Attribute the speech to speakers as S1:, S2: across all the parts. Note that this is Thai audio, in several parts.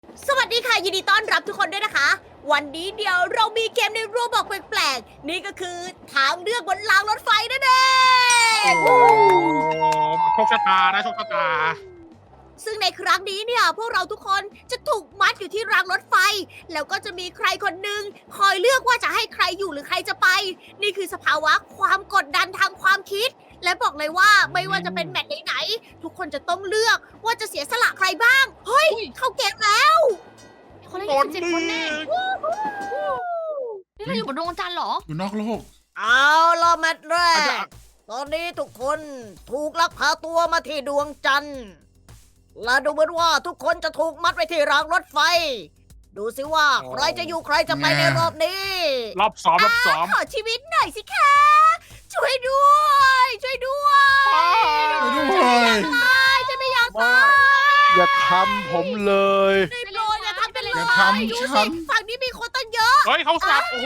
S1: สวัสดีค่ะยินดีต้อนรับทุกคนด้วยนะคะ วันนี้เดี๋ยวเรามีเกมในรูบอกแปลกๆนี่ก็คือทางเลือกบนรางรถไฟนั่นเอง
S2: โอ้โชคชะตานะโชคชะตา
S1: ซึ่งในครั้งนี้เนี่ยพวกเราทุกคนจะถูกมัดอยู่ที่รางรถไฟ แล้วก็จะมีใครคนหนึ่งคอยเลือกว่าจะให้ใครอยู่หรือใครจะไป นี่คือสภาวะความกดดันทางความคิด และบอกเลยว่าไม่ว่าจะเป็นแมตช์ไหนๆทุกคนจะต้องเลือกว่าจะเสียสละใครบ้างเฮ้ยเข้าเกมแล้ว
S3: คนละ27 คนแน่นี่เราอยู่บนดวงจันทร์เหรอ
S4: อยู่นอกโลก
S1: เอาล่ะแมตช์แร
S2: อาจจะ
S1: ก ตอนนี้ทุกคนถูกลักพาตัวมาที่ดวงจันทร์ และดูเหมือนว่าทุกคนจะถูกมัดไว้ที่รางรถไฟ ดูสิว่าใครจะอยู่ใครจะไปในรอบนี้
S2: รอบซ้อม
S1: ขอชีวิตหน่อยสิคะ ช่วยด้วย ช่วยด้วย
S4: ด้วย
S1: ฉันไม่อยากตาย
S5: อย่าทำผมเลย
S1: ได้โปรดอย่าทำเป็นเลย
S4: อย่าทำ
S1: ดู
S4: ฉั
S1: สิ
S4: น
S1: ฝั่งนี้มีคนตั้งเยอะ
S2: เฮ้ยเขาสับโอ้โห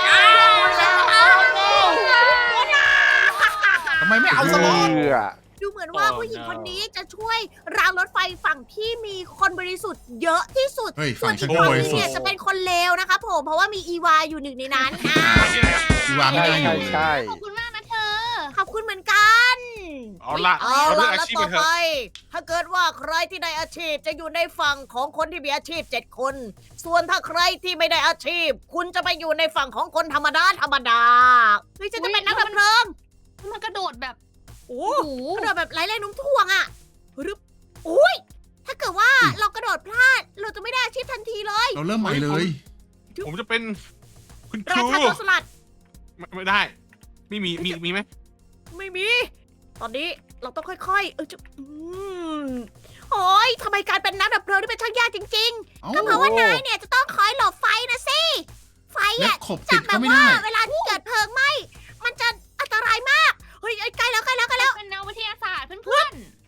S4: ทำไมไม่เอาสล็อต
S1: ดูเหมือนว่าผู้หญิงคนนี้จะช่วยรางรถไฟฝั่งที่มีคนบริสุทธิ์เยอะที่สุด
S4: เฮ้ย
S1: ส่ว
S4: ฝั่
S1: น
S4: งฉั
S1: อี
S4: น
S1: ก
S4: ก็
S1: ฝั่ง
S4: บ
S1: นึ
S4: ริ
S1: ง
S4: สุท
S1: เนี่ย
S4: ธิ์
S1: จะเป็นคนเลวนะคะผมเพราะว่ามีอีวาอยู่หนึ่งในนั้น
S4: อีวาไม่ได้อยู่เลย
S5: ใช่
S3: ขอบคุณมากนะเธอ
S1: ขอบคุณเหมือนกัน
S2: เอาละ
S1: เอา
S2: เราเลื
S1: ล่ะ
S2: อกอา
S1: แล้ว
S2: ชีพ
S1: ต่
S2: ไป
S1: อ
S2: เถ
S1: ไป
S2: อะ
S1: ถ้าเกิดว่าใครที่ได้อาชีพจะอยู่ในฝั่งของคนที่มีอาชีพ7 คน ส่วนถ้าใครที่ไม่ได้อาชีพ คุณจะไปอยู่ในฝั่งของคนธรรมดาเฮ้ยฉันจะเป็นนักดับเพลิง
S3: มันกระโดดแบบ
S1: โอ้
S3: โอ้โห
S1: กระโดดแบบไร้แรงโน้มถ่วงอ่ะรึบอุ้ยถ้าเกิดว่าเรากระโดดพลาด เราจะไม่ได้อาชีพทันทีเลย
S4: เราเริ่มใหม่เลย
S2: ผมจะเป็นคุณค
S1: รา
S2: รู
S1: ชาโจรสลัด
S2: ไม่ได้ ไม่มีไหม
S1: ไม่มี ตอนนี้เราต้องค่อยๆ โอ้ยทำไมการเป็นนักดับเพลิงนี่เป็นช่างยากจริง
S4: เอ้า
S1: ๆ ก็เพราะว่านายเนี่ยจะต้องคอยหลบไฟนะสิ ไฟ
S4: เล็
S1: อ่ะ
S4: บขบ
S1: จา
S4: ติ
S1: ก
S4: ด
S1: แบ
S4: ก็
S1: บ
S4: ไม่
S1: ว่า
S4: ได้
S1: เวลาที่เกิดเพลิงไหม้ มันจะอันตรายมาก เฮ้ยใกล้แล้ว
S3: เป็นแนววิทยาศาสตร์เพื่อน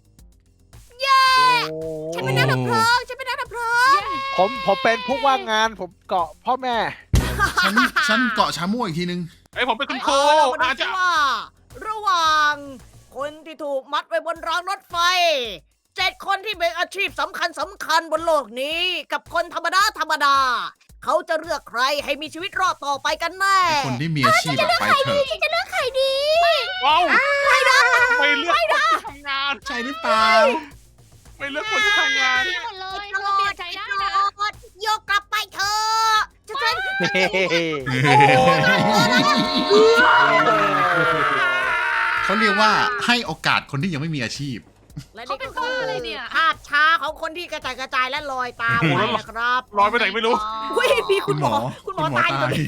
S1: ฉันเป็นนักดับเพลิง ฉันเป็นนักดับเพลิง
S5: ผมเป็นผู้ว่างงานผมเกาะพ่อแม่
S4: ฉันเกาะชาม่วอีกทีนึง
S2: ไอยผมเป็นคุณครู
S1: เอาล่ะมาดู
S2: อาจ
S1: สิ
S2: จะ
S1: ว่า ระหว่าง คนที่ถูกมัดไว้บนรางรถไฟ 7 คนที่เป็นอาชีพสำคัญบนโลกนี้ กับคนธรรมดา เขาจะเลือกใครให้มีชีวิตรอดต่อไปกันแน่
S4: ไอ้คนที่มีอาชีพอะไปเถอะ
S1: ฉันจะเลือกใครดี
S2: ว้าวไม่เลือกคนที่ทำงาน
S4: ใช่หรือเปล่า
S2: ไม่เลือกคนที่ทำงาน
S3: ๆดีหมดเลยเราเปลี่ยนใจได้นะ
S1: โยกกลับไปเถอะฉัน
S4: เขาเรียกว่าให้โอกาสคนที่ยังไม่มีอาชีพ
S1: และ
S3: เขา
S1: นี่
S3: เป็
S1: ก็
S3: น
S1: คื
S3: บ้า
S1: อ
S3: อะไรเนี่ย
S1: ภาพช้าของคนที่กระจายและลอยตาม
S2: โอ้โห
S1: ไป
S2: แล้ว
S1: นะครับ
S2: ลอยไปไหนไม่รู้
S1: อุ้ยมีคุณหมอตายตรงนี้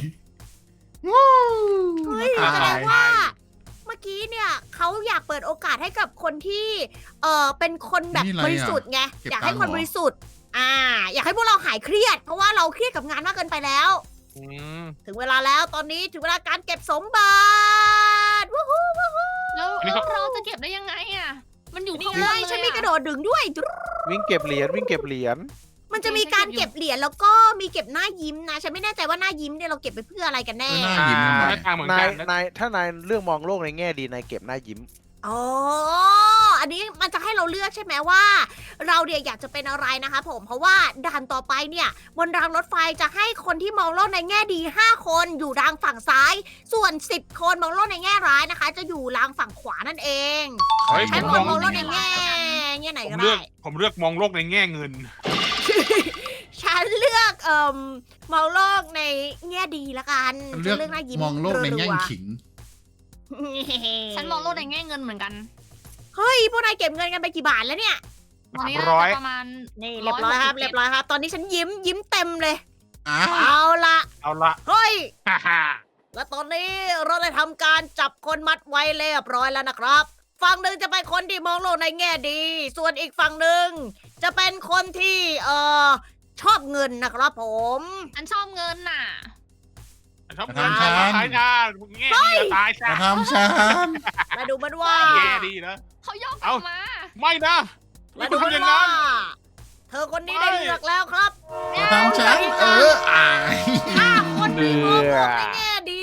S1: เฮ้ย
S4: ตาย
S1: แสดงว่า เมื่อกี้เนี่ยเขาอยากเปิดโอกาสให้กับคนที่เป็นคนแบบ
S4: นี่อะไร
S1: บ
S4: อะ
S1: ริสุทธิ์ไง
S4: เก็บ
S1: อยากให้
S4: ตังค์
S1: คน
S4: เหรอ
S1: บริสุทธิ์อยากให้พวกเราหายเครียด เพราะว่าเราเครียดกับงานมากเกินไปแล้ว
S2: อืม
S1: ถึงเวลาแล้วตอนนี้ถึงเวลาการเก็บสมบัติวู้ฮู้
S3: แล้ว
S2: อันนี้เขา
S3: เราจะเก็บได้ยังไงอ่ะ มันอยู่
S1: นี่
S3: ข้าง
S1: ไง
S3: ล่างเลย
S1: ฉันมีกระโดดดึงด้วย
S5: วิ่งเก็บเหรียญวิ่งเก็บเหรียญ
S1: มันจะมีการเก็บเหรียญแล้วก็มีเก็บหน้ายิ้มนะ ฉันไม่แน่ใจว่าหน้ายิ้มเนี่ยเราเก็บไปเพื่ออะไรกันแน่
S4: หน้ายิ้มทำไม
S2: หน้าตาเหมือน
S5: นา
S2: กั
S5: ย
S2: นนะ
S5: นายถ้านายเรื่องมองโลกในแง่ดีนายเก็บหน้ายิ้ม
S1: อ๋อ อันนี้มันจะให้เราเลือกใช่ไหมว่า เราเนี่ยอยากจะเป็นอะไรนะคะผม เพราะว่าด่านต่อไปเนี่ยบนรางรถไฟจะให้คนที่มองโลกในแง่ดี 5 คนอยู่รางฝั่งซ้าย ส่วน 10 คนมองโลกในแง่ร้ายนะคะ จะอยู่รางฝั่งขวานั่นเอง
S2: เฮ้ย
S1: ใช้
S2: ผม
S1: คน
S2: มอง
S1: มองโลกในแง่ไหน
S2: ผม
S1: ก็
S2: เลือ
S1: ได้
S2: กผมเลือกมองโลกในแง่เงิน
S1: ฉันเลือกมองโลกในแง่ดีละกัน
S4: เลือก
S1: ฉันหน้ายิ้ม
S4: มองโลกในแง่
S1: รัว
S4: ขิง
S1: ๆ
S3: ฉันมองโลกในแง่เงินเหมือนกัน
S1: เฮ้ยพวกนายเก็บเงินกันไปกี่บาทแล้วเนี่ย
S3: ตอนนี้
S2: ร้
S3: น่า
S2: อย
S3: จะประมาณ
S1: นี่เรียบร้อยครับ
S3: 167
S1: เรียบร้อยครับ ตอนนี้ฉันยิ้มเต็มเลย
S4: อ้า
S1: เอาละ
S2: เอาละ
S1: เฮ้ย
S2: ฮ่าฮ่า
S1: และตอนนี้เราได้ทำการจับคนมัดไว้เรียบร้อยแล้วนะครับ ฝั่งหนึ่งจะเป็นคนที่มองโลกในแง่ดี ส่วนอีกฝั่งหนึ่งจะเป็นคนที่ชอบเงินนะครับผม
S3: ฉันชอบเงินน่ะ
S2: ชอบเงินชอบขายชาแง่ดีจะตายซะ
S4: จะทำฉัน
S1: และดูเหมันว่า
S2: แง่ดีนะ
S3: เขายกกลั
S2: เอ้า
S3: บมา
S2: ไม่นะ
S1: และ
S2: ไม่
S1: ดู
S2: คุณ
S1: เหมัน
S2: ทำอย่าง
S1: ว่า
S2: นั้น
S1: เธอคนนี้ได้เลือกแล้วครับ
S4: จะทำฉันอาย
S1: ถ้าคนที่มองโลกใน
S5: เบื่อ
S1: แง่ดี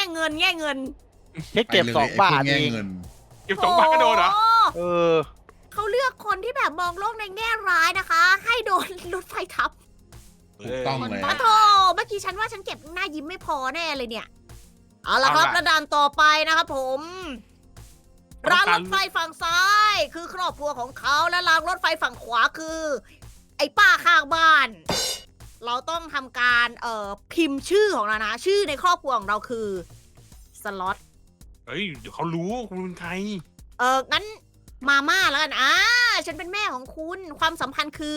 S1: แง่เงิน
S5: แค่เก็บ
S4: ไปลย
S5: 2 บาท
S4: ไพวก
S5: เอ
S4: แง่
S5: ง
S4: เงิน
S2: เก็บ2 บาทก็โดนเหรอ
S1: โ
S5: เออ
S1: เขาเลือกคนที่แบบมองโลกในแง่ร้ายนะคะ ให้โดนรถไฟทับ
S4: ถูกต้องเลย
S1: ปะโถเมื่อกี้ฉันว่าฉันเก็บหน้ายิ้มไม่พอแน่เลยเนี่ย เอาละครับระดานต่อไปนะครับผมรางรถไฟฝั่งซ้าย คือครอบครัวของเขาและรางรถไฟฝั่งขวาคือ ไอ้ป้าข้างบ้าน เราต้องทำการพิมพ์ชื่อของเรานะชื่อในครอบครัวของเราคือสล็อต
S2: เฮ้ยเดี๋ยวเขารู้คุณเป็นใคร
S1: งั้นมาม่าแล้วกันฉันเป็นแม่ของคุณความสัมพันธ์คือ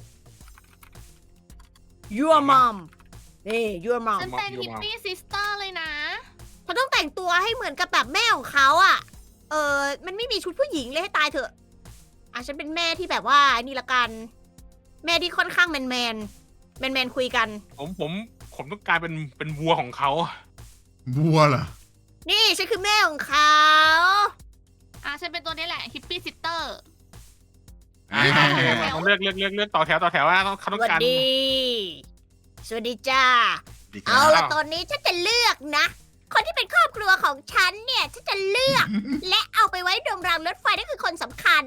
S1: your mom นี่ your mom
S3: ฉันเป็นฮิปปี้ซิสเตอร์เลยนะ
S1: เขาต้องแต่งตัวให้เหมือนกับแบบแม่ของเขาอ่ะ มันไม่มีชุดผู้หญิงเลยให้ตายเถอะฉันเป็นแม่ที่แบบว่านี่ละกัน แม่ที่ค่อนข้างแมนคุยกัน
S2: ผมต้องกลายเป็นวัวของเขา
S4: บัวเหรอ
S1: นี่ฉันคือแม่ของเขา
S3: ฉันเป็นตัวนี้แหละฮิปปี้ซิสเตอร์
S2: เขาเลือกต่อแถวว่าเขา
S1: ส
S2: ต้อง
S1: วัส
S2: การ
S1: ดี สวัสดีจ้า
S4: ดีค
S1: เอา
S4: รับ
S1: ละตอนนี้ฉันจะเลือกนะ คนที่เป็นครอบครัวของฉันเนี่ยฉันจะเลือก และเอาไปไว้ตรงรางรถไฟนั่นคือคนสำคัญ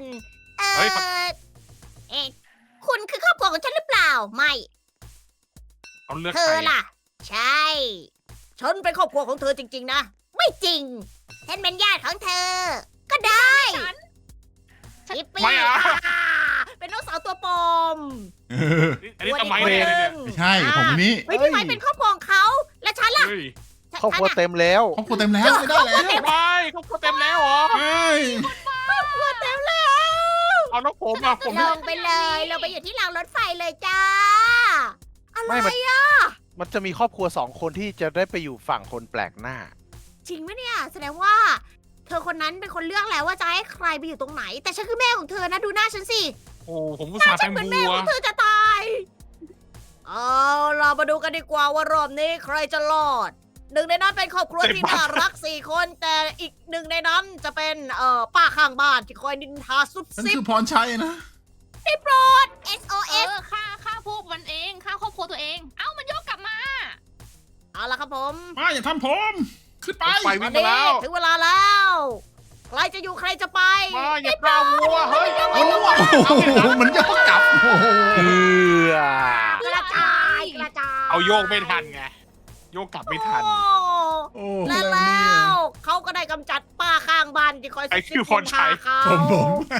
S1: คุณคือครอบครัวของฉันหรือเปล่า ไม่
S2: เขาเลือก
S1: เธ
S2: ใคร
S1: อล่ะ ใช่ ฉันเป็นครอบครัวของเธอจริงๆนะ ไม่จริง ฉันเป็นญาติของเธอ ก็ได้ชิปปี้เป็นน้องสาวตัวปลอม
S4: เออ
S2: อันนี้ทำไม
S1: วั
S2: เนี่ย
S1: หง
S4: ไม่ใช่ผมคนนี้
S1: เฮ้ยพี่ไม้เป็นครอบครัวของเขา และฉันล่ะ
S2: เฮ้ย
S5: ครอบครัวเต็มแล้ว
S4: ครอบครัวเต็มแล้วไม่ได้แล้ว
S2: ทำไมเขาเต็มแล้วเหรอ
S4: เฮ้ย
S1: เต็มแล้ว
S2: เอาแล้วผมอ่ะผม
S1: ลงไปเลยลงไปอยู่ที่รางรถไฟเลยจ้า อะไร
S5: ไม่มัน
S1: อ่ะ
S5: มันจะมีครอบครัว2 คนที่จะได้ไปอยู่ฝั่งคนแปลกหน้า
S1: จริงไหมเนี่ย แสดงว่า เธอคนนั้นเป็นคนเลือกแล้วว่าจะให้ใครไปอยู่ตรงไหน แต่ฉันคือแม่ของเธอนะดูหน้าฉันสิ
S2: โอ้ผมอุตส่าห์
S1: ฉั
S2: เป็น น
S1: เหมือนแม่
S2: วัว
S1: ของเธอจะตาย เอาเรามาดูกันดีกว่าว่ารอบนี้ใครจะรอด หนึ่งในนั้นเป็นครอบครัวที่น่ารัก4 คน แต่อีกหนึ่งในนั้นจะเป็นป้าข้างบ้านที่คอยนินทาซุบ
S4: ฉัน
S1: ซิบ
S4: คือพรชัยนะ
S1: ได้โปรด SOS
S3: ฆ่าพวกมันเองฆ่าครอบครัวตัวเอง เอ้ามันโยกกลับมา
S1: เอาละครับผม
S4: มาอย่าทำผม ขึ้นไป
S2: ไปวิ่งมาแล้ว
S1: ถึงเวลาแล้วใครจะอยู่ใครจะไป
S2: มาอย่าปลาวัวเฮ้ย
S4: โอ้โหมันยกกลับโอ้โห
S1: กระจายกระจาย
S2: เอาโยกไม่ทันไงโยกกลับไม่ทัน
S4: โอ้
S1: และ
S4: อะไร
S1: แล้
S4: เนี่ยว
S1: เขาก็ได้กำจัดป้าข้างบ้านที่คอย
S2: ไอ้คือพรชัย
S1: เขา
S4: ผม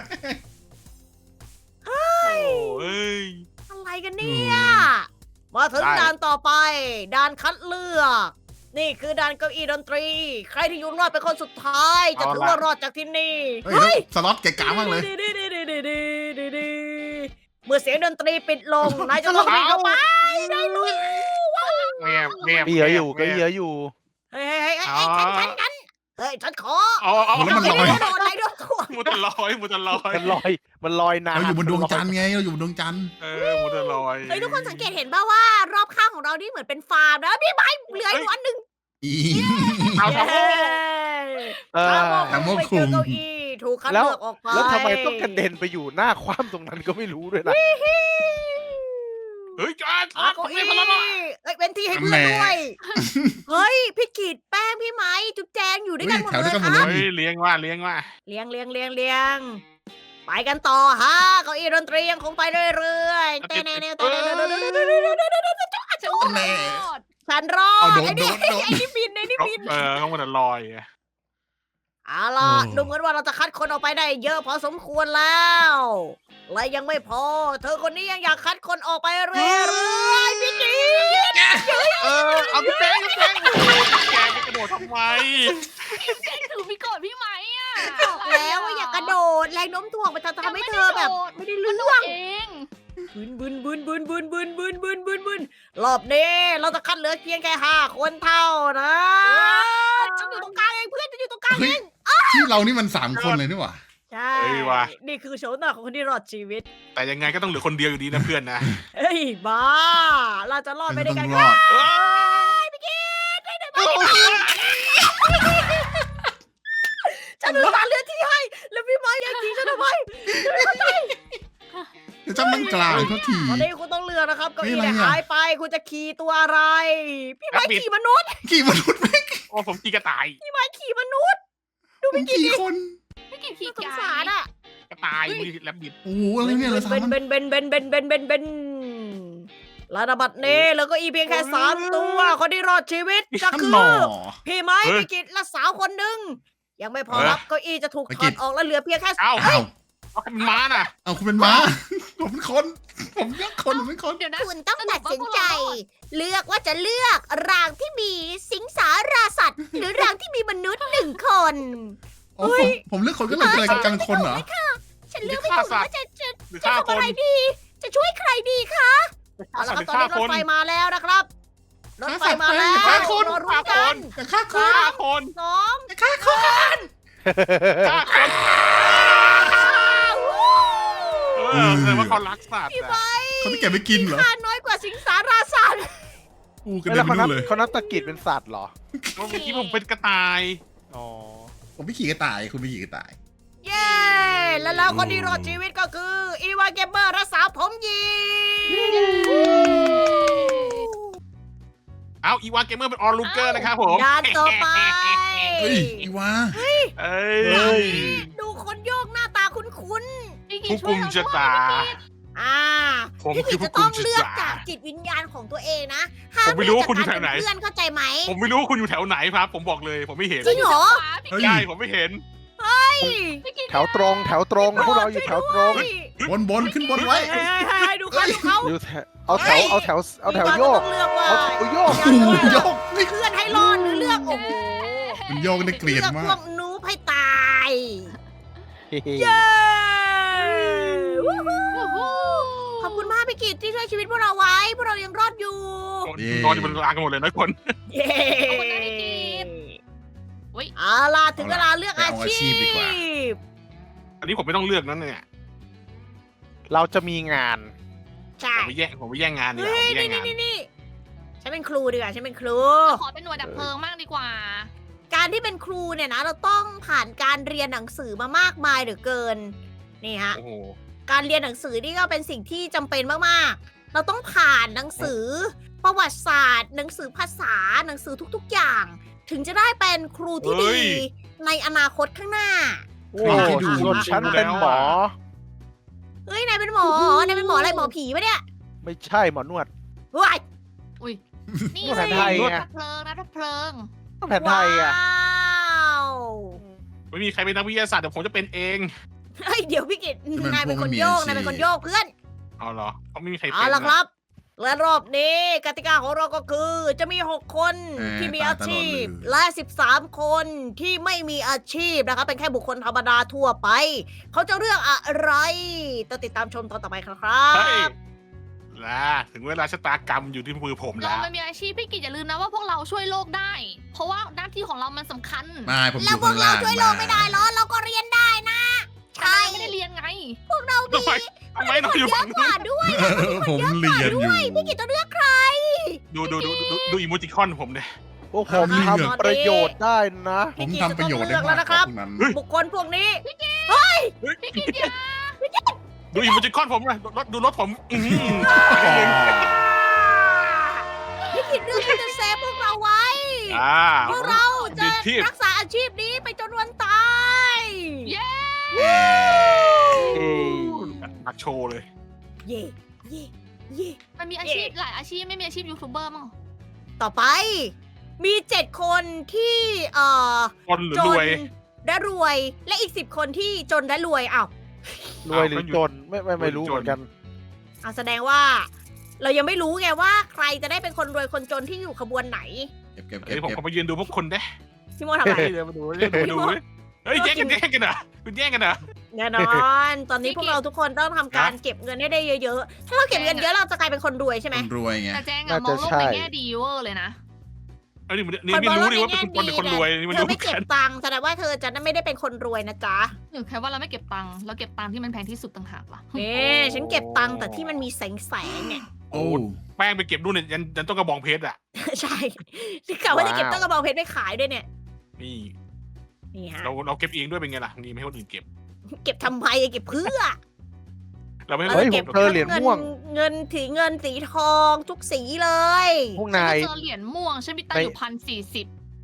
S2: โอ้ย
S1: อะไรกันเนี่ยมาถึง
S2: ได้
S1: ด่านต่อไปด่านคัดเลือก นี่คือด่านเก้าอี้ดนตรี ใครที่อยู่รอดเป็นคนสุดท้าย จะถือว่ารอดจากที่นี่
S4: เฮ้ยสล็อตเก๋กามากเลย
S1: เมื่อเสียงดนตรีปิดลง นายจะต้องวิ่งเข้าไปได้ลุย
S2: แม่แม่
S5: ก็เยอะอยู่ก็เยอะอยู่
S1: เฮ้ยฉันขอ
S2: เอา
S4: แล้วมันลอย
S1: โดนอะไรโดนถ่วง
S2: มุดลอย
S5: มันลอยน้ำ
S4: เราอยู่บนดวงจันทร์ไงเราอยู่บนดวงจันทร์
S2: มุดลอย
S1: เฮ้ยทุกคนสังเกตเห็นป่าว่ารอบข้างของเรานี่เหมือนเป็นฟาร์มนะพี่ไม้เหลืออยู่อันหนึ่ง
S4: อี
S2: เอาทำโอ้
S5: เออ
S1: ทำโมไปเจอเก้าอี้ถูกคัดเลือกออกไป
S5: แล้วทำไมต้องกระเด็นไปอยู่หน้าคว่ำตรงนั้นก็ไม่รู้ด้วยนะ
S2: เฮ้ยจาน
S1: เก้าอี้เอ้ยเป็นที่ให้เพื่อนด้วย เฮ้ยพี่กีดแป้งพี่ไม้จุ๊บแจงอยู่ด้วยกันหมด
S4: แถว
S1: เล
S4: ด้วย
S1: ย
S4: กันหมด
S1: ค
S4: เล
S1: รับ
S2: เฮ้
S4: ย
S2: ยเลี้ยงว่า
S1: เลี้ยงไปกันต่อฮะเก้าอี้ดนตรียังคงไปเรื่อยๆเต้นๆ
S3: ฉัน
S4: แน่
S3: รอด
S1: ฉันรอ
S4: เอา
S1: ด
S4: โดน
S1: ไอ้นี่
S4: โดน
S1: ไอ้นี่บินไอ้นี่บิน
S2: เขามุดลอย
S1: เอาล่ะ
S4: โอ้
S1: ดูเหมือนว่าเราจะคัดคนออกไปได้เยอะพอสมควรแล้ว และยังไม่พอ เธอคนนี้ยังอยากคัดคนออกไปเรื่อยๆพี่กีด
S2: เอาพี่แป้งแกไปกระโดดทำไม
S3: ถือมีโกรธพี่ไหมอ่ะ
S1: บอกแล้วว่าอย่ากระโดดแรงโน้มถ่วงมันจะทำให้เธอแบบ ไม่ได้
S3: มัน
S1: เรื่อง
S3: เอง
S1: บึนรอบนี้เราจะคัดเหลือเพียงแค่5 คนเท่านะฉันอยู่ตรงกลางเองเพื่อนจะอยู่ตรงกลาง
S4: เฮ้ยที่เรานี่มัน3 คนเลยนี่หว่า
S1: ใช่นี่คือโฉมหน้าของคนที่รอดชีวิต
S2: แต่ยังไงก็ต้องเหลือคนเดียวอยู่ดีนะเพื่อนนะ
S1: เฮ้ยบ้า เราจะรอดไป
S4: ฉัน
S1: ด้วย
S4: ต้
S1: กั
S4: อน งรอด
S1: ฉันรู้ตาเลือดที่ให้ แล้วพี่ไม้ยังทิ้งฉันทำไม
S4: เดี๋ยวจำนั่งกลางเขาที
S1: ตอนนี้คุณต้องเลือกนะครับเก็
S4: นี่
S1: อี
S4: อะไร
S1: เนี่ย
S4: อ่ะ
S1: หายไปคุณจะขี่ตัวอะไร พี่ไม้ขี่มนุษย์
S4: กี่มนุษย์
S2: โอ้ผมตีกระต่าย
S1: พี่ไม้ขี่มนุษย์
S4: ผมกี่คน
S3: ไม่กี่ที
S1: น่าสง
S3: กา
S1: สาร
S3: ย
S1: อ่ะ
S2: กระต่ายมีแลบบิด
S4: โอ้โหอะไรเนี่ยเหลยสาม
S1: เบน
S4: อัน
S1: เบนเบนเบนเบนเบนเบนเบนระดับบัดนี้แล้วก็อีเพียงแค่3 ตัวคนที่รอดชีวิตก็
S4: ท่าน
S1: คื
S4: หนอ
S1: พี่ไม้พิกิตและสาวคนหนึ่งยังไม่พอรับเก้าอี้จะถูกถอดออกแล้วเหลือเพียงแค่
S2: เอ้า
S4: อ้าว
S2: เอาเป็นม้าน่ะ
S4: เอาคุณเป็นม้า ผมเป็นคน ผมเลือกคนผมเป็นคน
S3: เดี๋ยวนะ
S1: คุณต้องตัดสินใจ เลือกว่าจะเลือกรางที่มีสิงสาราสัตว์ หรือรางที่มีมนุษย์1 คน
S4: โอ้ผมเลือกคนก็เลยเป็นอะไรกันคนเหรอ
S1: ฉันเลือกไม่ถูกว่าจะ
S2: หรือ
S1: จะ
S2: ฆ่า
S1: ทำ
S2: ค
S1: อะ
S2: น
S1: ไรดี จะช่วยใครดีคะเอาละครับ
S2: หรือ
S1: ตอน
S2: ฆ่า
S1: นี้ร
S2: ค
S1: ถ
S2: น
S1: ไฟมาแล้วนะครับรถไฟมาแล้ว
S4: ฆ่าคน
S1: รอรู้กัน
S4: แต่ฆ่าค
S2: ฆ่าน คน
S1: สอง
S4: ฆ่าคน
S2: ฆ่าคนแสดงว่าเขารักสัตว์
S1: พี่
S2: อะ
S1: ไม้
S4: เขาไม่เก็บไปกินเหรอ
S1: ค่าน้อยกว่าสิงสาราสัตว์
S4: กูกระ
S5: แล้
S4: เด็
S5: วน
S4: ไปนู่นเลย
S5: เขานับตะกิดเป็นสัตว์เหรอ
S2: เมื่อกี้ผมเป็นกระต่าย
S5: อ๋อ
S4: ผมไม่ขี่กระต่าย คุณไม่ขี่กระต่าย
S1: เย้ แล้วคนที่รอดชีวิตก็คืออีวาเกมเมอร์รักษาผมยี
S2: เอาอีวานเกมเมอร์เป็นออลูเกอร์นะครับผม
S1: ด้านต่อไป
S4: เฮ้ยอีวา
S2: เอ้ย
S1: ดูคนโยกหน้าตาคุ้น
S3: พี่กิ
S2: ผู้
S3: ช่ว
S2: กุ
S3: ย
S2: ม
S3: เรา
S2: ชะตา
S1: ๆ
S2: ผม
S1: พี่
S2: คื
S1: กิ
S2: อ
S1: จ
S2: ผู้
S1: จะ
S2: กุ
S1: ต้อ
S2: ม
S1: ง
S2: ชะ
S1: เลือก
S2: ตา
S1: จากจิตวิญญาณของตัวเองนะห้าม
S2: ผมไม่รู้ว่าคุณอยู่
S1: เลืก
S2: แถวไหน
S1: จากการเป็เพื่อนเข้าใจไหม
S2: ผมไม่รู้ว่าคุณอยู่แถวไหนครับ ผมบอกเลย ผมไม่เห็น
S1: จริงเหรอ
S4: เฮ้ย
S2: ใช่ผมไม่เห็น
S3: พี่กิ
S5: แถวตรงพวกเราอยู่แถวตรง
S4: บนขึ้นบนไว้
S1: ให้ดูเขาดูเขา
S5: อยู่แถวเอาแถวโยก
S1: ต้องเลือกว่า
S5: เอาแถวโยก
S4: โอ้โหโยกนี่
S1: เพื่อนให้รอดหรือเลือกโอ้โห
S4: มันโยกได้เกลียด
S1: เลือก
S4: มา
S1: พว
S4: ก
S1: กนูให้ตาย
S5: เฮ้
S1: เย้วู้ฮู้
S3: โอ้โห
S1: ขอบคุณมากพี่กิตที่ช่วยชีวิตพวกเราไว้ พวกเรายังรอดอยู่
S2: นอนอยู่บนรางกันหมดเลยนะคน
S1: เย้
S3: ขอบคุณนะพี่กิต อุ๊ย
S1: เอาล่ะถึงเวลาเลือก
S4: เอา
S1: อา
S4: อาชี
S1: ชี
S4: พดีกว่า
S1: พ
S2: อันนี้ผมไม่ต้องเลือกนั่นเนี่ย
S5: เราจะมีงาน
S1: ใช่
S2: ผมไปแย่งงานดีก
S1: เฮ้
S2: ว่าผม
S1: ย
S2: ไปแย่งงาน
S1: นี่ฉันเป็นครูดีกว่าฉันเป็นครู
S3: ขอเป็นหน่วยดับเพลิงมากดีกว่า
S1: การที่เป็นครูเนี่ยนะ เราต้องผ่านการเรียนหนังสือมามากมายเหลือเกิน นี่ฮะ
S2: โอ้โห
S1: การเรียนหนังสือนี่ก็เป็นสิ่งที่จำเป็นมากๆ เราต้องผ่านหนังสือ ประวัติศาสตร์ หนังสือภาษาหนังสือทุกๆอย่าง ถึงจะได้เป็นครูที่ดี ในอนาคตข้างหน้า
S5: โอ้ส่วนฉันเป็นหมอ
S1: เฮ้ยนายเป็นหมอนายเป็นหมออะไรหมอผีปะเนี่ย
S5: ไม่ใช่หมอนวด
S1: ว้าย
S3: นี่
S5: นวดแผนไทยไง
S3: ดับเพลิงนะดับเพลิง
S5: ต้องแผนไทยอ่ะ
S1: ว้าว
S2: ไม่มีใครเป็นนักวิทยาศาสตร์เดี๋ยวผมจะเป็นเอง
S1: เฮ้ยเดี๋ยวพี่กิต
S4: จะเป็น
S1: นายเป็น
S4: พวก
S1: คน
S4: ไม่มี
S1: โยก
S4: อาชีพ
S1: นายเป็นคนโยกเพื่อน
S2: เอาเหรอเขาไม่มีใครเป็น
S1: เอาละ
S2: นะครับ
S1: และรอบนี้กติกาของเราก็คือ จะมี 6 คนที่มีอาชีพ และ 13 คนที่ไม่มีอาชีพนะคะเป็นแค่บุคคลธรรมดาทั่วไป เขาจะเลือกอะไรต้องติดตามชมตอนต่อไปครั
S2: เฮ้ย
S1: บ
S2: ล่ะถึงเวลาชะตากรรมอยู่ที่มือผม
S3: เรา
S2: แล้ว
S3: มันมีอาชีพพี่กิจอย่าลืมนะว่าพวกเราช่วยโลกได้ เพราะว่าหน้าที่ของเรามันสำคัญ
S4: ไม่ผมอ
S1: แล้ว
S4: ยู่
S1: พว
S4: ข้าก ง
S1: เรา
S4: ล่าง
S1: ช่วยโลกไม่ได้เหรอ เราก็เรียนได้นะ ใช่
S3: ไม่ได้เรียนไง
S1: พวกเรา
S2: ทำไมทำไมเราอยู่
S1: เย
S2: ฝั่
S1: อะ
S2: ง
S1: ก
S2: นู้
S1: ว่าน ด้วย
S4: ผมเรียนอยู่
S1: พี่กิตจะเลือกใคร
S2: ดูอีโมจิคอนผมเนี่ย
S5: พวกผม
S4: เหงื่อ
S5: ทำประโยชน์ได้นะ
S4: ผมทำประโยชน์ได้มากกว่าพวกนั้น
S1: บุคคลพวกนี้
S3: พี่กิจอย่า
S2: ดูอีโมจิคอนผมเลยดูรถผมอื้อหือ
S1: พี่กิตเลือกที่จะเซฟพวกเราไว้ พวกเราจะรักษาอาชีพนี้ไปจนวันตาย
S3: เย้
S5: เอ้ย
S2: อักโชว์เลย
S1: เย่เย่เย่
S3: มันมีอาชีพหลายอาชีพไม่มีอาชีพยูทูบเบอร์มั้ง
S1: ต่อไป มี 7 คนที่
S2: คนหรือ
S1: จ
S2: ร
S1: น
S2: วย
S1: และรวย และอีก 10 คนที่จนและรวยอ้าว
S5: รวยหรือจนไม่รู้เหมือนกัน
S1: แสดงว่า เรายังไม่รู้ไงว่าใครจะได้เป็นคนรวยคนจนที่อยู่ขบวนไหน
S4: เก็บ
S2: เฮ้ยผมขอมายืนดูพวกคนได้
S1: พี่โมทำอะไร
S2: เดี๋ยวมาดูเดี๋ยวมาดูเฮ้ยแย่งกันเหรอคุณแย่งกันเหรอ
S1: แน่นอน ตอนนี้พวกเราทุกคนต้องทำการเก็บเงินให้ได้เยอะๆ ถ้าเราเก็บเงินเยอะเราจะกลายเป็นคนรวยใช่ไหม
S4: คนรวยไง
S3: แต่แจงอะ
S5: น่าม
S3: องโลก
S5: จะใช่
S3: ในแง่ดีเวอร์เลยนะ
S2: เอ้ยนี่รู้ดิว่าเป็นคนรวยนี่มัน
S1: เธอ
S2: รู้
S1: ไม่เก็
S2: กับ น
S1: ตังค์แสดงว่าเธอจะไม่ได้เป็นคนรวยนะจ๊ะ
S3: หรือแค่ว่าเราไม่เก็บตังค์เราเก็บตังค์ที่มันแพงที่สุดต่างหากล่ะ
S1: ฉันเก็บตังค์แต่ที่มันมีแสงเนี่ย
S4: โอ้
S2: แป้งไปเก็บนู่นเนี่ยยันต้องกระบองเพชรอ่ะ
S1: ใช่ที่กะว่าจะเก็บต้นกระบอกเพชรไปขายด้วยเนี่ย
S2: นี่
S1: นี่ฮะ
S2: เราเก็บเองด้วยเป็นไงล่ะนี่ไม่ให้คนอื่นเก็บ
S1: เก็บทำไมเก็บเพื่อ
S2: เราไม่ให้
S5: เฮ้ย
S2: คน
S5: ผ
S2: เก็
S5: ม
S2: บ
S5: เจอเหรียญม่วง
S1: เงินสีทองทุกสีเลย
S5: พวก
S3: ฉัน
S5: นาย
S3: ก็เจอเหรียญม่วงฉันมีตังค์อยู่1,040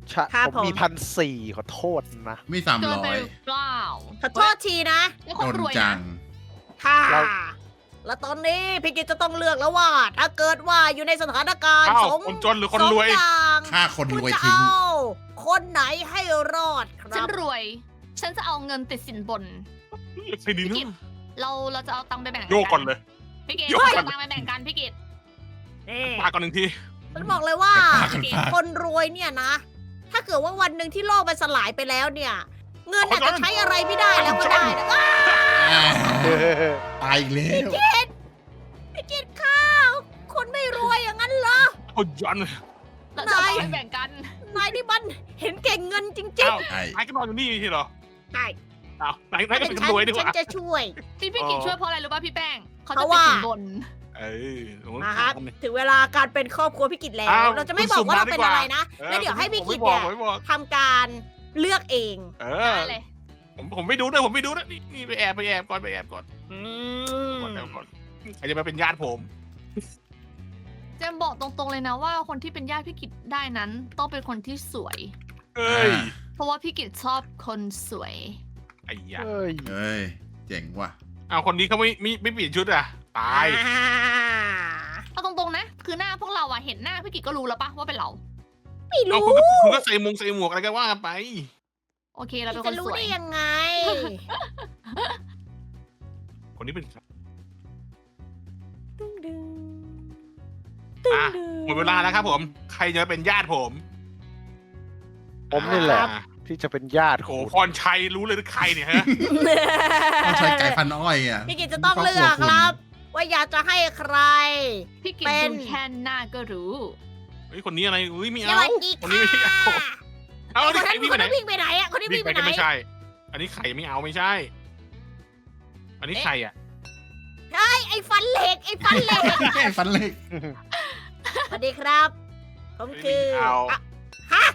S1: ครับ
S5: ผมมี
S1: ผม
S5: 1,400ขอโทษนะ
S4: ไม่
S3: เกินไป
S4: 300
S3: หรือเปล่า
S1: ขอโทษทีนะ
S3: ไม่ค
S4: โด
S3: น
S4: น
S3: รวย
S4: จั
S3: นะ
S4: ง
S1: ค่ะ
S5: เรา
S1: แล้วตอนนี้พี่กิจจะต้องเลือกแล้วว่า ถ้าเกิดว่าอยู่ในสถานการณ์
S2: อ้าว
S1: สอง
S2: คนจนหรือคนรวย
S1: สองอย่าง
S4: ฆ่าคน
S1: คุ
S4: ร
S1: ณ
S4: วย
S1: จะ
S4: ทิ้ง
S1: เอาคนไหนให้รอดค
S3: ฉั
S1: รั
S3: น
S1: บ
S3: รวย ฉันจะเอาเงินติดสินบน
S2: ใช่ดี
S3: พี่กิ
S2: นะ
S3: ตเราจะเอาตังค์ไปแบ่ง
S2: โยกก่อนเลย
S3: พี่กิต
S2: โยกก่อน
S3: เอาตังค์ไปแบ่งกันพี่กิต
S1: นี่
S2: มาก่อนหนึ่งที
S1: ฉันบอกเลยว่า
S4: ปากกันปาก
S1: คนรวยเนี่ยนะ ถ้าเกิดว่าวันหนึ่งที่โลกมันสลายไปแล้วเนี่ย เงินอาจจะใช้อะไรไม่ได้แล้วก็ได้นะอ้าว
S4: ตายอีกแล้ว
S1: พี่กิจข้าวคนไม่รวยอย่างนั้นเหรอ
S2: เอายัน
S3: เราจะเอาตังค์ไปแบ่งกัน
S1: นายนี่มันเห็นเก่งเงินจริง
S2: อ้าว
S4: ใช่
S2: นายก็นอนอยู่นี่ทีเหรอ
S1: ๆใช่
S2: อ้าวนายก็เป็นคนรวยดีก
S1: ฉัน
S2: ว่า
S1: จะช่วย
S3: ที่พี่กิตช่วยเพราะอะไรรู้ป่ะพี่แป้งเขา
S1: เพ
S3: จะ
S1: ราะ
S3: ติด
S1: ว่า
S3: สินบน
S2: เออโอ้โห
S1: นะครับถึงเวลาการเป็นครอบครัวพี่กิจแล้ว
S2: อ้าว
S1: เราจะไม่บอกว่าเราเป็นอะไรนะ
S2: เออ
S1: แล้วเดี๋ยวให้พี่
S2: ผม
S1: กิจ
S2: ไม่บอก
S1: เนี่ย
S2: ผมไม่บอก
S1: ทำการเลือกเอง
S2: เออ
S3: ได้เลย
S2: ผมไม่ดูด้วยผมไม่ดูนะนี่ไปแอบก่อนไปแอบก่อน
S1: อืม
S2: ก่อนแล้วก่อนใครจะมาเป็นญาติผม
S3: เจมบอกตรงๆเลยนะว่าคนที่เป็นญาติพี่กิตได้นั้นต้องเป็นคนที่สวย
S2: เอ้ย
S3: เพราะว่าพี่กิตชอบคนสวย
S2: ไอ้ยา
S5: เอ้ย
S4: เฮ้ย เจ๋งว่ะ
S2: เอาคนนี้เขาไม่เปลี่ยนชุดอ่ะตาย
S1: อ่า
S3: เอาตรงๆนะ คือหน้าพวกเราอะเห็นหน้าพี่กิตก็รู้แล้วปะว่าเป็นเรา
S1: ไม่
S2: เอา
S1: รู้
S2: คุณก็ใส่หมวกอะไรกันว่ากันไป
S3: โอเคเราเป็นค
S1: จะ
S3: น
S1: รู้
S3: สวย
S1: ได้ยังไง
S2: คนนี้เป็นใคร
S1: ดึงดึง
S2: อ่ะ หมดเวลาแล้วครับผม ใครจะเป็นญาติผม
S5: ผมนี่แหละ
S2: อ่า
S5: ที่จะเป็นญาติ
S2: โอ้
S5: คุณ
S2: พรชัยรู้เลยหรือใครเนี่ยฮะ
S4: ต้องใช้ไก่พันอ้อยอ่ะ
S1: พี่กิจจะต้องเลือกครับ ว่าอยากจะให้ใคร
S3: พี่กิต
S1: เป็น
S3: ดูแค่หน้าก็รู้
S2: เฮ้ยคนนี้อะไรอุ้ยไม่
S1: ส
S2: เอา
S1: วัสดี
S2: คนนี้ไม่เอา
S1: ค่ะ
S2: เอา
S1: คน
S2: นี่ใคร
S1: นั้น
S2: วิ่ง
S1: ค
S2: ไป
S1: น
S2: ไหน
S1: นั้นวิ่งไปไหนอ่ะคนนี้
S2: วิ่
S1: วิ่
S2: ง
S1: ง
S2: ไป
S1: ไปไหน
S2: ก็ไม่ใช่ อันนี้ไข่ไม่เอาไม่ใช่ อันนี้ไข่อ่ะ
S1: ไอ้ฟันเหล็กไอ้ฟันเหล็ก
S4: ฟันเล็ก
S1: สวัสดีครับ ผมคือ
S2: ไม่เอา
S1: อะฮะ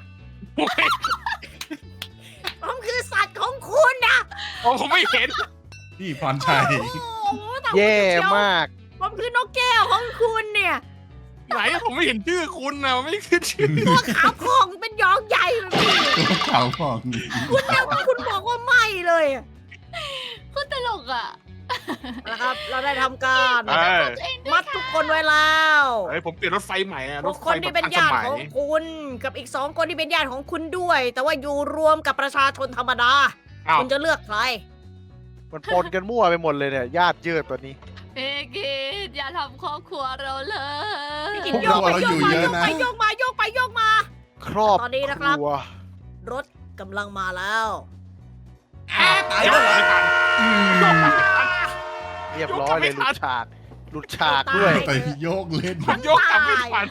S1: ผมคือสัตว์ของคุณนะ
S2: โอ้ผมไม่เห็น
S4: นี่พรชัย
S1: โอ้โหแต่
S5: แย่
S1: คุณเชียว
S5: มาก
S1: ผมคือนกแก้วของคุณเนี่ย
S2: ไหนผมไม่เห็นชื่อคุณนะไม่ขึ้นชื่อ
S1: ตัวขาวพองเป็นยองใหญ่แบบนี้
S4: ตัวขาวผ่อง
S1: คุณแล้วคุณบอกว่าไม่เลยอะ
S3: ก็ตลกอ่ะ
S1: นะครับ เราได้ทำการ
S2: เออ
S1: มัดทุกคนไว้แล้ว
S2: เฮ้ยผมเปลี่ยนรถไฟใหม่อะ
S1: พ
S2: ร
S1: ว
S2: ถ
S1: ก
S2: ไฟ
S1: คนที่เป็น
S2: ทันส
S1: ญาติ
S2: มัย
S1: ของคุณ กับอีก2 คนที่เป็นญาติของคุณด้วย แต่ว่าอยู่รวมกับประชาชนธรรมดา
S2: อ้าว
S1: คุณจะเลือกใคร
S5: มันปนกันมั่วไปหมดเลยเนี่ยญาติเยืดตัวนี้
S3: พี่กิตอย่าทำครอบครัวเราเลย
S1: กิน
S4: พวก
S1: โย
S4: เรา
S1: กไป
S4: เรา
S1: โย
S4: อก ยู่
S1: มา
S4: เย
S1: โย
S4: อะ
S1: ก
S4: นะ
S1: ไปโยกมาโยกไปโยกมา
S5: ครอบ
S1: ตอนนี้นะครับ
S5: ครัว
S1: รถกำลังมาแล้ว
S2: ตายแล้วเหรอไม่ทัน
S4: อืม
S5: เรียบร้อยเลย
S2: ยกกลับไม่ทัน
S5: หลุดฉากด้วย
S4: ไปโยกเล่น
S2: ผมโยกกลับไม่ทัน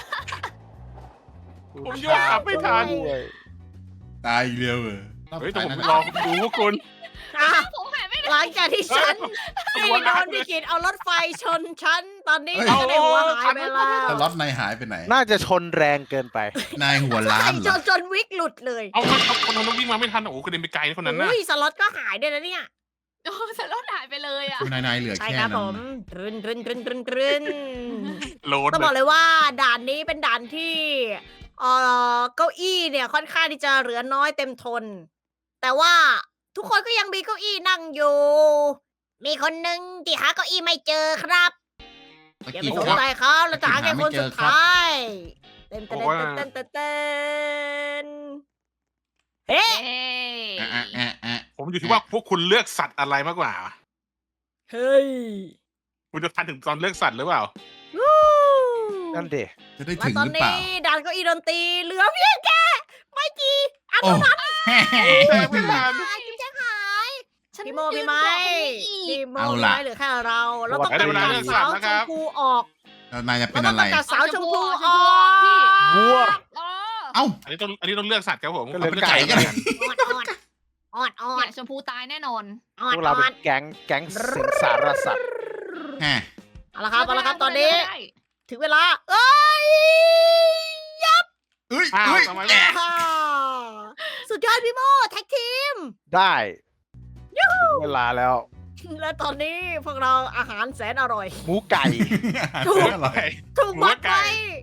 S2: ผมโยกกลับไม่ทัน
S5: ด้วย
S4: ตายอีกเร็วเหรอ
S2: เฮ้ยแต่ผมรอดูพวกคุณ
S1: อ่ะ
S3: ผมหายไปไหน
S1: หลังจากที่ฉัน
S2: เฮ้ย
S1: ให้โดนพี่กิดเอารถไฟชนฉัน ตอนนี้
S4: เฮ้ย
S1: ฉันได้หัวหายไปแล้ว
S4: แต่ล็อตนายหายไปไหน
S5: น่าจะชนแรงเกินไป
S4: นายหัวล้านเหร
S1: จ
S4: อน
S1: จนวิกหลุดเลย
S2: เอาคนนั้นวิ่งมาไม่ทันโอ้โหกระเด็นไปไกลนะคนนั้นน่ะ
S1: อุ้ยสล็อตก็หายด้วยนะเนี่ย
S3: โอ้แต่รถหายไปเลยอ่ะ
S4: นายเหลือ
S1: ใช่
S4: แค่
S1: ครับ
S4: นั้
S1: ผม
S4: น
S1: ตรึนตรึนตรึนตรึนตรึน
S2: โหลด
S1: ต้องบอกเลยว่าด่านนี้เป็นด่านที่เก้าอี้เนี่ยค่อนข้างที่จะเหลือน้อยเต็มทน แต่ว่าทุกคนก็ยังมีเก้าอี้นั่งอยู่ มีคนหนึ่งที่หาเก้าอี้ไม่เจอครับ
S4: ตะ
S1: อย่า
S4: กี้
S1: ไปสน
S4: ครับ
S1: ใจเขาเราจะหาแค่คนสุดท้ายเต้นเต้น
S2: บอกว่า
S1: เต้นเต้นเต้นเฮ้
S3: เอ้ย
S4: อ่ะ
S2: ผมอยู่ที่ว่าพวกคุณเลือกสัตว์อะไรมากกว่า
S1: เฮ้ย
S2: คุณจะทันถึงตอนเลือกสัตว์หรือเปล่า
S1: วู้
S5: นั่นเด็
S4: จะได้
S1: และ
S4: ถึง
S1: ตอน
S4: หรือเปล่า
S1: นี้ด่านเก้าอี้ดนตรีเหลือเพียงแค่ไม่กี่อัน
S4: โอ้
S1: เท่านั้น
S2: ไม่ทัน
S1: กินแจ้งหาย
S3: ฉัน
S1: พี่โมพี่ไม้
S3: ยืนรอคนนี้อีก
S1: พี่โมพี่ไม้เหลือแค่เราเราต้อง
S2: ได้เวลา
S1: ตัด
S2: เลือกสั
S1: สา
S2: ตว์
S1: ว
S2: แล้ว
S1: ช
S2: ครั
S1: ม
S2: บ
S1: พูออก
S4: แล้วนายจะเป็
S1: เรา
S4: น
S1: ต้อ
S4: อะ
S1: ง
S4: ไร
S1: ตัดสาวชมพูอ
S3: ช
S1: อ
S3: มพู
S1: ก
S3: พี่
S5: วัว
S3: อ๋อ
S4: เอ้า
S2: อันนี้ต้องเลือกสัตว์ครับผม
S5: ก็เลือก
S2: ผม
S5: ไก่กัน
S1: ออด
S3: เนี่ยชมพูตายแน่นอน
S1: ออ
S5: พ
S1: ด
S5: วกเราเป็นแก๊งสิงสารสัตว์
S4: แฮะ
S1: เอาละครับตอนนี้
S3: ได้
S1: ถึงเวลา เอ้ย
S4: เอ้ย
S2: อ้าว
S4: เอ้ย
S2: ทำไม
S1: อ่าสุดยอดพี่โมแท็กทีม
S5: ได้เวลาแล้ว
S1: และตอนนี้พวกเราอาหารแสนอร่อย
S5: หมูไก่
S1: ถูก
S4: อร่อย
S1: ถูกมัด
S2: หัวไก่
S1: ไว้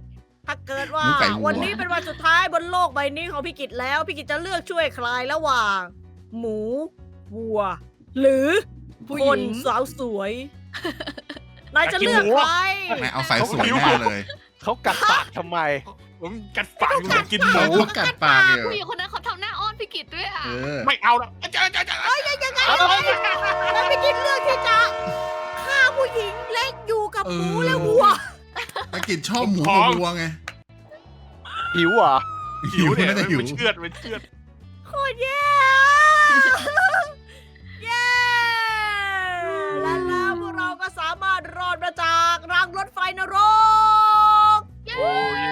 S1: ถ้าเกิดว่า
S4: หมูไก่วัว
S1: วันนี้เป็นวันสุดท้ายบนโลกใบนี้ของพี่กิจแล้วพี่กิจจะเลือกช่วยใครระหว่าง หมูวัว หรือ
S3: ผู้
S1: ค
S3: หญิ
S1: น
S3: ง
S1: สาวสวยนายจะเลือกใคร
S4: นายเอาสายสวยแน่เลย
S5: เขากัดปากทำไม
S2: ผมกัดฝันผมกินหมู
S4: เขากัดปากอยู่
S3: ผู้หญิงคนนั้นเขาทำหน้าอ้อนพี่กิตด้วยอ่ะ
S4: เออ
S2: ไม่เอาแล้วจะ
S1: ยังไงแล้วพี่กิจเลือกที่จะฆ่าผู้หญิงและอยู่กับหมูและวัว
S4: ตะกิดชอบหมูกับวัวไง
S5: หิวเหรอ
S4: หิว
S2: เนี่ย
S4: น่าจะหิว
S2: มันเชือดมันเชือด
S1: โคตรแย่ เย้และแล้วพวกเราก็สามารถรอดมาจากรางรถไฟนรก
S2: โอ้เย่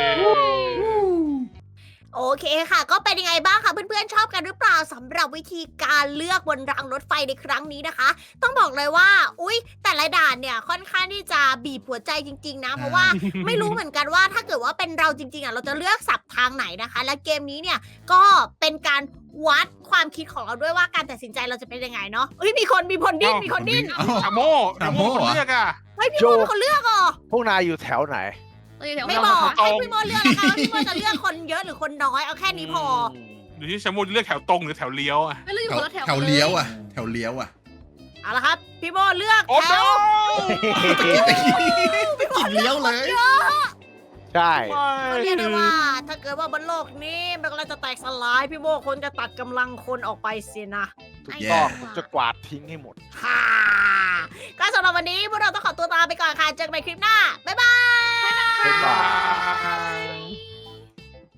S1: โอเคค่ะ ก็เป็นยังไงบ้างคะเพื่อนๆชอบกันหรือเปล่าสำหรับวิธีการเลือกบนรางรถไฟในครั้งนี้นะคะ ต้องบอกเลยว่า อุ๊ย แต่ละด่านเนี่ยค่อนข้างที่จะบีบหัวใจจริงๆนะ เพราะว่าไม่รู้เหมือนกันว่าถ้าเกิดว่าเป็นเราจริงๆอ่ะเราจะเลือกสับทางไหนนะคะ และเกมนี้เนี่ยก็เป็นการวัดความคิดของเราด้วยว่าการตัดสินใจเราจะเป็นยังไงเนาะเฮ้ยมีคนดิ้นมีคนดิ้น
S4: เอ้า
S2: ชาโม
S4: ชาโม่
S2: คน
S4: เหรอ
S2: เลือกอ่ะ
S1: เฮ้ยพี่โมเป็นคนเลือกเหรอ
S5: พวกนายอยู่แถวไหน
S3: เราอยู่แถว
S1: ไม่
S3: เรา
S1: บอก
S2: ตรง
S1: ให้พี่โมเลือกแล้วกันว่าพี่โมจะเลือกคนเยอะหรือคนน้อยเอาแค่นี้พอ
S2: ดูที่ชาโมเลือกแถวตรงหรือแถวเลี้ยวอ่ะ
S3: ไม่เราอยู่
S4: แถว
S3: คนละแถว
S4: แถวเลี้ยวอ่ะ แถวเลี้ยวอ่ะ
S1: เอาละครับ พี่โมเลือก
S2: โอ้
S1: แถ
S2: โห
S1: ว
S4: ตะกิดเลี้ยวเลย
S5: ใช่
S1: เรียกได้ว่า ถ้าเกิดว่าบนโลกนี้มันกำลังจะแตกสลายพี่โมคนจะตัดกำลังคนออกไปเสียนะ
S5: ถูกต้อง
S4: แย่
S5: ผมจะกวาดทิ้งให้หมด
S1: ฮ่าก็สำหรับวันนี้พวกเราต้องขอตัวลาไปก่อนค่ะเจอกันใหม่คลิปหน้าบ๊ายบาย
S5: บ๊ายบาย
S2: บาย